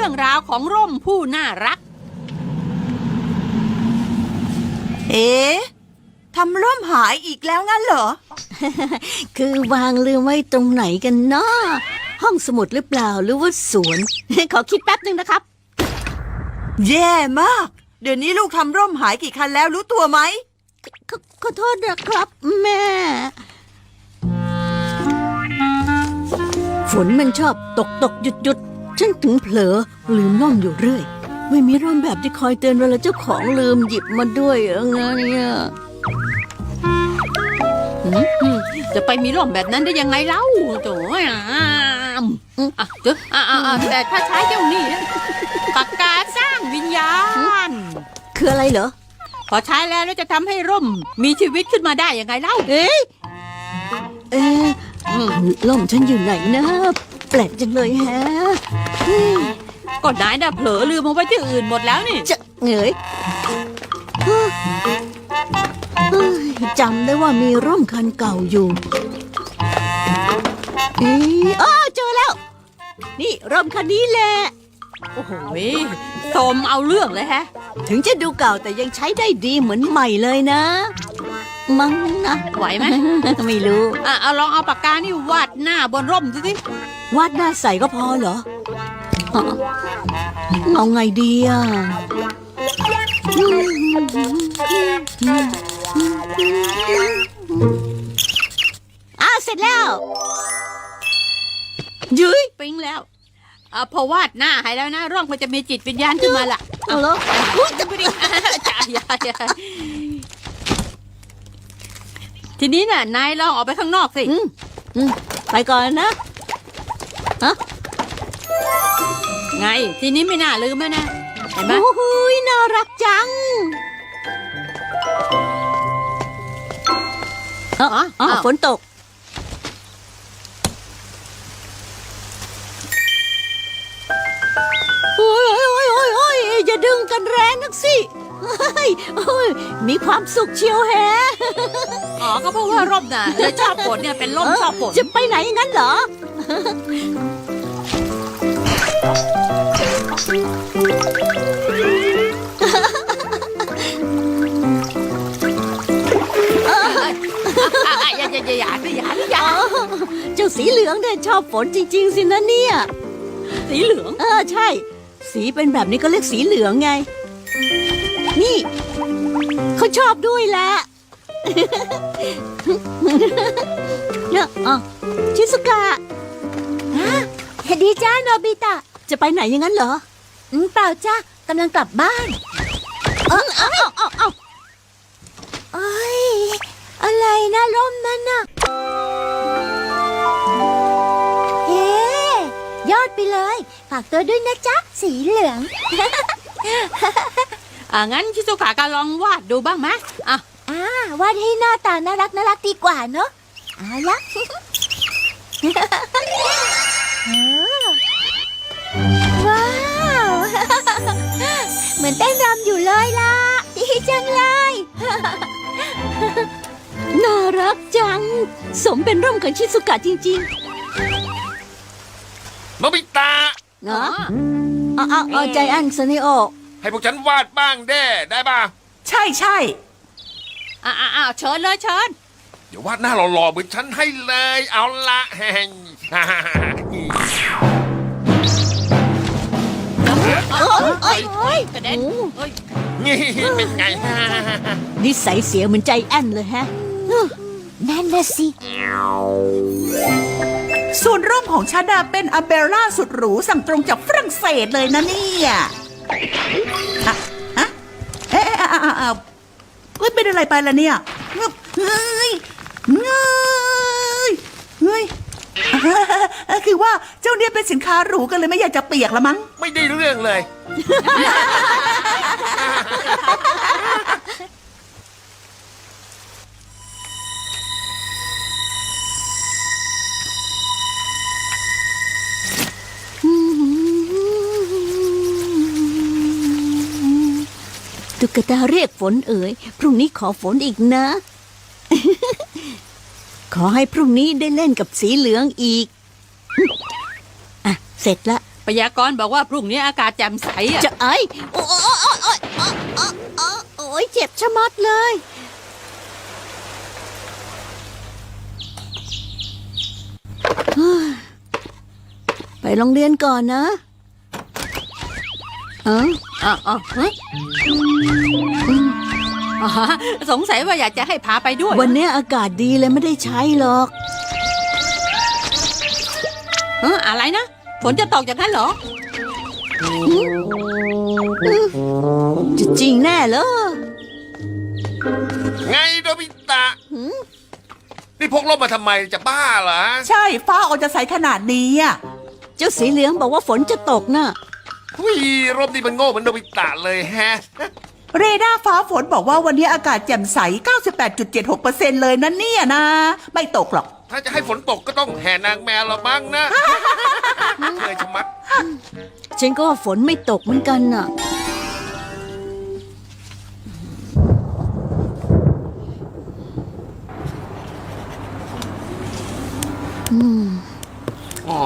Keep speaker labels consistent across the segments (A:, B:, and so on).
A: รื่องราวของร่มผู้น่ารัก
B: เอ๊ะทำร่มหายอีกแล้วงั้นเหรอ
C: คือวางลืมไว้ตรงไหนกันเนาะห้องสมุดหรือเปล่าหรือว่าสวน ขอคิดแป๊บนึงนะครับ
B: แย่มาก เดี๋ยวนี้ลูกทำร่มหายกี่คันแล้วรู้ตัวไหม
C: ขอโทษนะครับแม่ ฝนมันชอบตกหยุดฉันถึงเผลอลืมร่มอยู่เรื่อย ไม่มีร่มแบบที่คอยเตือนเวลาเจ้าของลืมหยิบมาด้วยไงเนี่ย
A: จะไปมีร่มแบบนั้นได้ยังไงเล่าโถ่แต่ถ้าใช้เจ้านี่ปากกาสร้างวิญญาณ
C: คืออะไรเหรอ
A: พอใช้แล้วจะทำให้ร่มมีชีวิตขึ้นมาได้ยังไงเล่า
C: เอ๊ะล่มฉันอยู่ไหนนะ แปลกจังเลยแฮะ
A: ก็นายน่ะเผลอลืมเอาไว้ที่อื่นหมดแล้วนี่
C: จะเหงยจำได้ว่ามีร่มคันเก่าอยู่เจอแล้ว นี่ร่มคันนี้แหละ
A: โอ้โหโสมเอาเรื่องเลยแฮะ
C: ถึงจะดูเก่าแต่ยังใช้ได้ดีเหมือนใหม่เลยนะ มั้งนะ
A: ไหวไหม
C: ไม่รู้
A: เอาลองเอาปากกานี่วาดหน้าบนร่มดูสิ
C: วาดหน้าใสก็พอเหรอเอาไงดีอ่ะเสร็จแล้วยุ้ย
A: ปิ๊งแล้วพอวาดหน้าให้แล้วนะร่องมันจะมีจิตวิญญาณขึ้นมาล่ะ
C: เอาเหรอจะไปดิ
A: อย่าทีนี้น่ะนายลองออกไปข้างนอกสิ
C: ไปก่อนนะ
A: ไงทีนี้ไม่น่าลืมแล้วนะเห็นไหม
C: โอ้โหน่ารักจังฝนตกโอ้ยอย่าดึงกันแรงนักสิมีความสุขเชียวแฮะ
A: ก็เพราะว่าร่มน่ะเลยชอบฝนเนี่ยเป็นร่มชอบฝน
C: จะไปไหนงั้นเหรอ
A: อย่า
C: เจ้าสีเหลืองเนี่ยชอบฝนจริงๆสินะเนี่ย
A: สีเหลือง
C: ใช่สีเป็นแบบนี้ก็เรียกสีเหลืองไงนี่เขาชอบด้วยแหละเนี่ยชิซุกะ
D: ดีจ้าโนบิตะ
C: จะไปไหนอย่างนั้นเหรอ
D: เปล่าจ้ากำลังกลับบ้านเอ้ยอะไรนะร่มนั่นน่ะเฮ้ยอดไปเลยฝากตัวด้วยนะจ๊ะสีเหลือง
A: งั้นชิซุกะก็ลองวาดดูบ้างไหม
D: วาดให้หน้าตาน่ารักดีกว่าเนอะเอาละว้าวเหมือนเต้นรำอยู่เลยล่ะดีจังเลย
C: น่ารักจังสมเป็นร่มของชิซุกะจริง
E: โนบิตะ
C: ๆเนาะใจแอนซนิโอ
E: ให้พวกฉันวาดบ้างได้ป่ะ
B: ใช่
A: เชิญเลยเชิญ
E: เดี๋ยววาดหน้าหล่อๆเหมือนฉันให้เลยเอาละแฮง
A: กระเด็น
E: นี่เป็นไง
C: นิสัยเสียเหมือนใจแอนเลยฮะ
D: นั่นน่ะสิ
B: ส่วนร่มของฉันเป็นอัมเบร่าสุดหรูสั่งตรงจากฝรั่งเศสเลยนะเนี่ยเป็นอะไรไปล่ะเนี่ยเฮ้ยคือว่าเจ้าเนี่ยเป็นสินค้าหรูกันเลยไม่อยากจะเปียกละมั้ง
E: ไม่ได้เรื่องเลย
C: ตุ๊กตาเรียกฝนเอ๋ยพรุ่งนี้ขอฝนอีกนะ ขอให้พรุ่งนี้ได้เล่นกับสีเหลืองอีกเสร็จละ
A: พยากรณ์บอกว่าพรุ่งนี้อากาศแจ่มใสอ่ะ
C: จะไอ้โอ้ยเจ็บชะมัดเลยเฮ้ยไปโรงเรียนก่อนนะเออ
A: ฮะอ๋อสงสัยว่าอยากจะให้พาไปด้วย
C: วันนี้อากาศดีเลยไม่ได้ใช้หรอก
A: อะไรนะฝนจะตกอย่างนั้นเหรอ
C: จะจริงแน่เหรอ
E: ไงโดบิตะนี่พกร่มมาทำไมจะบ้าเหรอ
B: ใช่ฟ้าออกจะใสขนาดนี้อ่ะ
C: เจ้าสีเหลืองบอกว่าฝนจะตกน่ะ
E: หุ้ยร่มนี่มันโง่เหมือนโดบิตะเลยแฮะ
B: เรดาร์ฟ้าฝนบอกว่าวันนี้อากาศแจ่มใส 98.76% เลยนะเนี่ยนะ ไม่ตกหรอก
E: ถ้าจะให้ฝนตกก็ต้องแห่นางแมวละมั้งนะเคยชะมัด
C: ฉันก็ว่าฝนไม่ตกเหมือนกันน่ะ
E: อ๋อ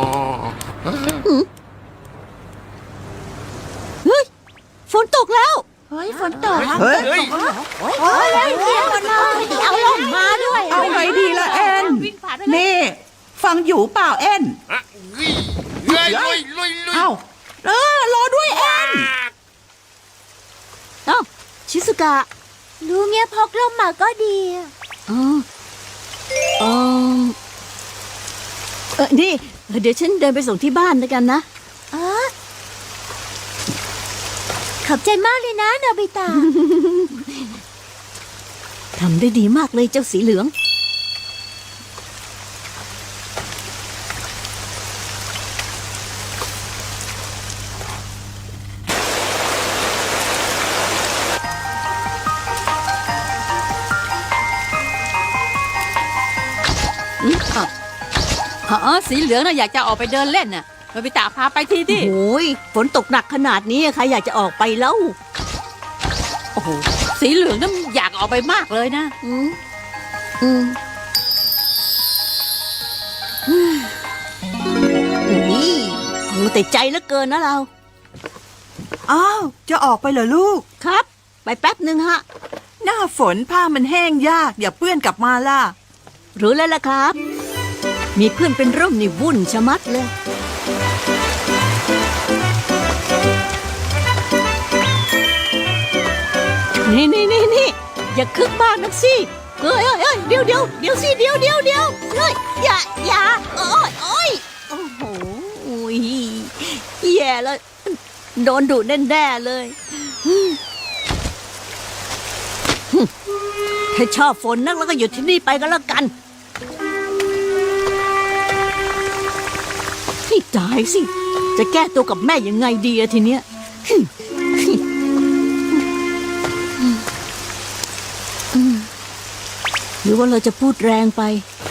C: เฮ้ย ฝนตกแล้ว
D: เฮ้ยฝนตก
B: เฮ้ย
E: เฮ้ย
D: โอ้ยเสียหมดเลยเอาลงมาด้วย
B: เอาไงดีล่ะแอน
A: วิ่งผ่านไปเลย
B: นี่ ฟังอยู่เปล่าแอน
E: อะเฮ้ยลุยลุยลุย
B: เอ้ารอด้วยแอน
C: เอ้า ชิสุกะ
D: รู้เงี้ยพกร่มมาก็ดี
C: อ๋อเอนี่เดี๋ยวฉันเดินไปส่งที่บ้านแล้วกันนะ
D: อ๋อขอบใจมากเลยนะโนบิตะ
C: ทำได้ดีมากเลยเจ้าสีเหลือง
A: สีเหลืองน่ะอยากจะออกไปเดินเล่นน่ะโนบิตะพาไปทีดิ
C: โอ้ยฝนตกหนักขนาดนี้ใครอยากจะออกไปแล้ว
A: โอ้โหสีเหลืองนั่นอยากออกไปมากเลยนะ
C: อืมอืมนี่เอาแต่ใจเหลือเกินนะเรา
B: อ้าว จะออกไปเหรอลูก
C: ครับ ไปแป๊บหนึ่งฮะ
B: หน้าฝนผ้ามันแห้งยากอย่าเปื้อนกลับมาล่ะ
C: รู้แล้วล่ะครับ มีเพื่อนเป็นร่มนี่วุ่นชะมัดเลย นี่ อย่าคึกมากนักสิเอ้ยเดี๋ยวสิเดี๋ยวเฮ้ยอย่าโอ้ยโอ้โหแย่แล้ว โดนดุแน่ๆเลยถ้าชอบฝนนักแล้วก็หยุดที่นี่ไปก็แล้วกันนี่ตายสิ จะแก้ตัวกับแม่ยังไงดีอะทีเนี้ยหรือว่าเราจะพูดแรงไป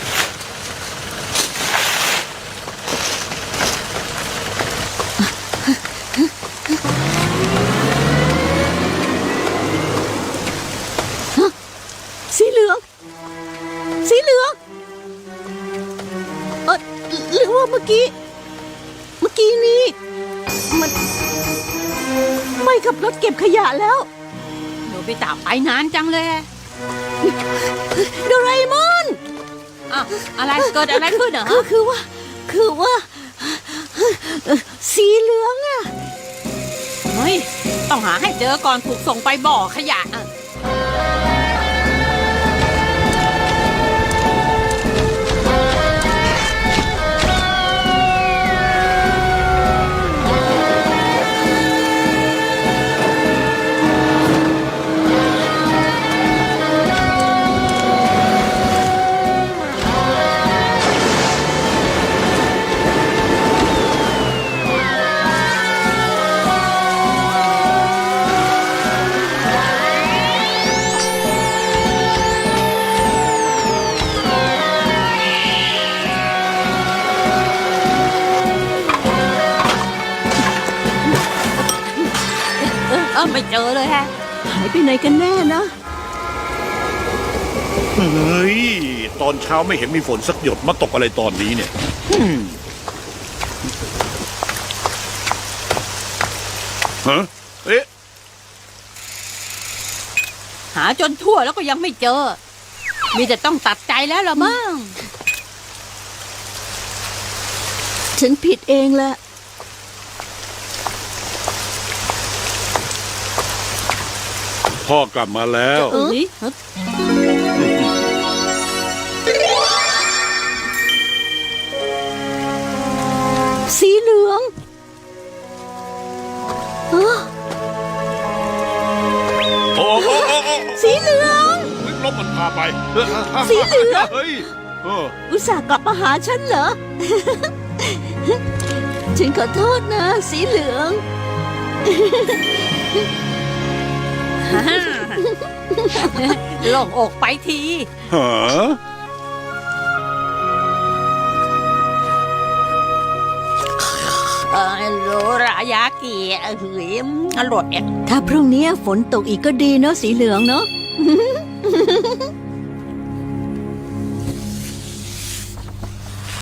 C: สีเหลืองหรือว่าเมื่อกี้นี้มันไม่ขับรถเก็บขยะแล้ว
A: โนบิตะไปนานจังเลย
C: โดราเอมอน
A: อะไรเกิดอะไรขึ้นเหรอ
C: คือว่าสีเหลืองอะ
A: เฮ้ยต้องหาให้เจอก่อนถูกส่งไปบ่อขยะอะ ไม่เจอเลยฮะ
C: หายไปไหนกันแน่นะ
F: เฮ้ย ตอนเช้าไม่เห็นมีฝนสักหยดมาตกอะไรตอนนี้เนี่ยฮะเอ๊ะ
A: หาจนทั่วแล้วก็ยังไม่เจอ มีแต่ต้องตัดใจแล้วละมั้ง
C: ฉันผิดเองแหละ
F: พ่อกลับมาแล้ว
A: เอ้ย
C: สีเหลืองฮะ
F: โอ้โอ้โอ้โอ้
C: สีเหลือง
F: ลบมันพาไป
C: สีเหลือง
F: เฮ้ยเออ
C: อุตส่าห์กลับมาหาฉันเหรอ ฉันขอโทษนะ สีเหลือง
A: โล่งอกไปที
F: ฮะ
A: โรรายากิเฮ้ยอร่อย
C: ถ้าพรุ่งนี้ฝนตกอีกก็ดีเนาะสีเหลืองเนาะ